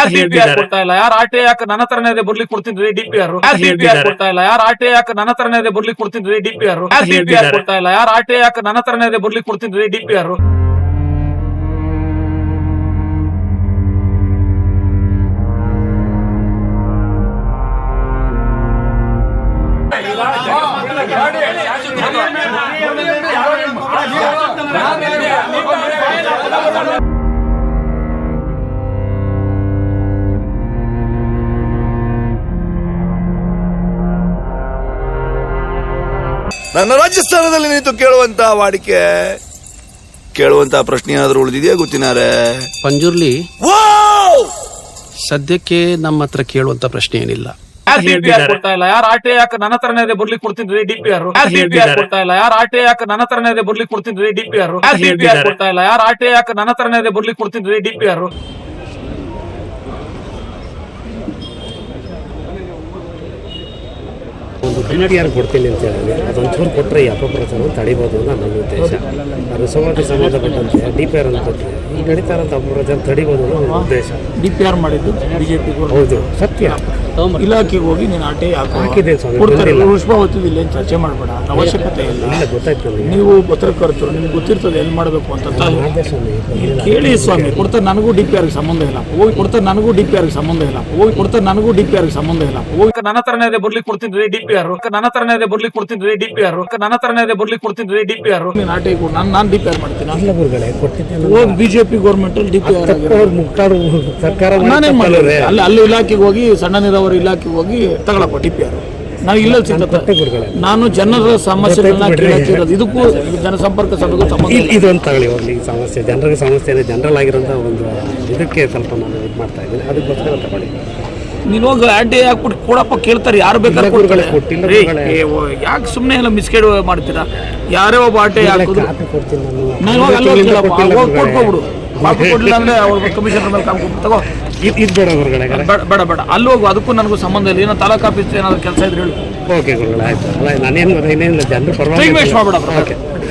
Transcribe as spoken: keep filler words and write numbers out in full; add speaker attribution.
Speaker 1: DPR ಕೊಡ್ತಾ ಇಲ್ಲ, ಯಾರು ಆರ್ ಟಿ ಐ ನನ್ನ ಹತ್ರನೇ ಇದೆ ಬರ್ಲಿ ಕೊಡ್ತಿದ್ವಿ ಡಿಪಿಆರ್, ಡಿಪಿಆರ್ ಕೊಡ್ತಾ ಇಲ್ಲ, ಯಾರು ಆರ್ ಟಿ ಐ ನನ್ನ ಹತ್ರನೇ ಇದೆ ಬರ್ಲಿ ಕೊಡ್ತಿದ್ವಿ ಡಿಪಿಆರ್, ಡಿಪಿಆರ್ ಕೊಡ್ತಾ ಇಲ್ಲ, ಯಾರು ಆರ್ ಟಿ ಐ ನನ್ನ ಹತ್ರನೇ ಇದೆ ಬರ್ಲಿ ಕೊಡ್ತಿದ್ವಿ ಡಿಪಿಆರ್.
Speaker 2: ನನ್ನ ರಾಜಸ್ಥಾನದಲ್ಲಿ ನಿಂತು ಕೇಳುವಂತ ವಾಡಿಕೆ ಕೇಳುವಂತ ಪ್ರಶ್ನೆ ಏನಾದ್ರೂ ಉಳಿದಿದೆಯಾ ಗೊತ್ತಿನಾರೆ?
Speaker 3: ಪಂಜುರ್ಲಿ ಸದ್ಯಕ್ಕೆ ನಮ್ಮ ಹತ್ರ ಕೇಳುವಂತ ಪ್ರಶ್ನೆ ಏನಿಲ್ಲ.
Speaker 1: ಡಿಪಿಆರ್ ಕೊಡ್ತಾ ಇಲ್ಲ, ಯಾರು ಆರ್ ಟಿ ಐ ನನ್ನ ಹತ್ರನೇ ಇದೆ ಬರ್ಲಿ ಕೊಡ್ತಿದ್ವಿ ಡಿಪಿಆರ್, ಡಿಪಿಆರ್ ಕೊಡ್ತಾ ಇಲ್ಲ, ಯಾರು ಆರ್ ಟಿ ಐ ನನ್ನ ಹತ್ರನೇ ಇದೆ ಬರ್ಲಿ ಕೊಡ್ತಿದ್ವಿ ಡಿಪಿಆರ್, ಡಿಪಿಆರ್ ಕೊಡ್ತಾ ಇಲ್ಲ, ಯಾರು ಆರ್ ಟಿ ಐ ನನ್ನ ಹತ್ರನೇ ಇದೆ ಬರ್ಲಿ ಕೊಡ್ತಿದ್ವಿ ಡಿಪಿಆರ್.
Speaker 4: ಒಂದು ಡಿಪಿಆರ್ ಕೊಡ್ತೀನಿ ಅಂತ ಹೇಳಿದ್ರೆ ಅದೊಂಚೂರು ಕೊಟ್ಟರೆ ಈ ಅಪಪ್ರಚಾರ ತಡಿಬೋದು ಅಂತ ನನ್ನ ಉದ್ದೇಶ. ಅದು ಸಮಾಜ ಸಂಬಂಧಪಟ್ಟಂತೆ ಡಿಪಿಆರ್ ಅಂತ ಕೊಟ್ಟರೆ ಈ ನಡೀತಾ ಇರೋಂಥ ಅಪಪ್ರಚಾರ ತಡಿಬೋದು ಅನ್ನೋ ನನ್ನ ಉದ್ದೇಶ.
Speaker 5: ಡಿಪಿಆರ್ ಮಾಡಿದ್ದು ಬಿಜೆಪಿ
Speaker 4: ಹೌದು, ಸತ್ಯ.
Speaker 5: ಇಲಾಖೆಗೆ ಹೋಗಿ ನೀನು ಆಟೆ
Speaker 4: ಹಾಕಿದೆ ಸ್ವಾಮಿ,
Speaker 5: ಪುಷ್ಪಾವತಿಯಲ್ಲಿ ಏನು ಚರ್ಚೆ ಮಾಡಬೇಡ, ಅವಶ್ಯಕತೆ ಇಲ್ಲ.
Speaker 4: ಗೊತ್ತಾಯ್ತು ನನಗೆ.
Speaker 5: ನೀವು ಪತ್ರಕರ್ತರು, ನಿಮ್ಗೆ ಗೊತ್ತಿರ್ತದೆ ಎಲ್ಲಿ ಮಾಡಬೇಕು ಅಂತ ಕೇಳಿ ಸ್ವಾಮಿ. ಕೊಡ್ತಾರೆ ನನಗೂ ಡಿಪಿಆರ್ಗೆ ಸಂಬಂಧ ಇಲ್ಲ, ಹೋಗಿ ಕೊಡ್ತಾರೆ ನನಗೂ ಡಿಪಿಆರ್ಗೆ ಸಂಬಂಧ ಇಲ್ಲ, ಹೋಗಿ ಕೊಡ್ತಾರೆ ನನಗೂ ಡಿಪಿಆರ್ಗೆ ಸಂಬಂಧ ಇಲ್ಲ, ಹೋಗಿ
Speaker 1: ನನ್ನ ಹತ್ರನೇ ಇದೆ ಬರ್ಲಿ ಕೊಡ್ತಿದ್ವಿ ಡಿಪಿಆರ್, ನನ್ನ ಹತ್ರನೇ ಇದೆ ಬರ್ಲಿ ಕೊಡ್ತಿದ್ವಿ ಡಿಪಿಆರ್, ನನ್ನ ಹತ್ರನೇ ಇದೆ ಬರ್ಲಿ ಕೊಡ್ತಿದ್ವಿ ಡಿಪಿಆರ್.
Speaker 5: ನೀನು ಆಟೆ ಕೊಡು, ನಾನು ನಾನು ಡಿಪಿಆರ್ ಮಾಡ್ತೀನಿ.
Speaker 4: ಗುರುಗಳೇ ಕೊಟ್ಟಿದ್ದೆ
Speaker 5: ಹೋಗಿ ಬಿಜೆಪಿ ಗೌರ್ಮೆಂಟ್ ಅಲ್ಲಿ ಡಿಪಿಆರ್
Speaker 4: ಸರ್ಕಾರ
Speaker 5: ನಾನೇನ್ ಮಾಡಿದ್ರೆ ಅಲ್ಲಿ ಅಲ್ಲಿ ಇಲಾಖೆಗೆ ಹೋಗಿ ಸಣ್ಣ ನೀರಾವರಿ ಇಲಾಖೆಗೆ ಹೋಗಿ ತಗೊಳಪ್ಪ ಡಿಪಿಆರ್. ನಾವು ಇಲ್ಲ ಸಿಗುತ್ತೆ. ನಾನು ಜನರ ಸಮಸ್ಯೆಗಳನ್ನ ಕೇಳಕ್ಕಿರೋದು, ಇದಕ್ಕೂ ಜನಸಂಪರ್ಕ ಸಭೆಗೂ ಸಂಬಂಧ
Speaker 4: ಇದೊಂದು ತಗೊಳ್ಳಿ ಹೋಗ್ಲಿ. ಈ ಸಮಸ್ಯೆ ಜನರಿಗೆ ಸಮಸ್ಯೆ ಇದೆ, ಜನರಲ್ ಆಗಿರೋಂಥ ಒಂದು ಇದಕ್ಕೆ ಸ್ವಲ್ಪ ನಾನು ಇದು ಮಾಡ್ತಾ ಇದ್ದೀನಿ, ಅದಕ್ಕೋಸ್ಕರ ತಗೊಳ್ಳಿ.
Speaker 5: ನೀನು ಹೋಗಿ ಅಡ್ಡೆ ಹಾಕ್ಬಿಟ್ಟು ಕೊಡಪ್ಪ ಕೇಳ್ತಾರೆ, ಯಾರು ಬೇಕಾದ್ರೆ ಯಾಕೆ ಸುಮ್ಮನೆ ಎಲ್ಲ ಮಿಸ್ಗೈಡ್ ಮಾಡ್ತೀರಾ? ಯಾರೇ ಒಬ್ಬ ಆಟೆ ಹಾಕೋದು ನಾನು ಹೋಗಿ ಅಲ್ಲಿ ಕೊಟ್ಕೊಬಿಡು. ಬಾಕಿ ಕೊಡಲಿಲ್ಲ ಅಂದ್ರೆ ಅವ್ರ ಕಮಿಷನರ್ ಮೇಲೆ ಕಾಮ್ಕೊಂಡು ತಗೋ.
Speaker 4: ಇದು ಬೇಡ ಗುರುಗಳೇ,
Speaker 5: ಬೇಡ ಬೇಡ ಅಲ್ಲಿ ಹೋಗು, ಅದಕ್ಕೂ ನನಗೂ ಸಂಬಂಧ ಇಲ್ಲ. ಏನೋ ತಾಲೂಕು ಆಫೀಸ್ ಏನಾದ್ರು ಕೆಲಸ ಇದ್ರೆ ಹೇಳು.
Speaker 4: ಓಕೆ ಗುರುಗಳೇ, ಆಯ್ತು. ಅಲ್ಲ ನಾನೇನು ಇನ್ನೇನಿಲ್ಲ, ಜನರು ಪರವಾಗಿ
Speaker 5: ವೇಸ್ಟ್ ಮಾಡ್ಬೇಡ.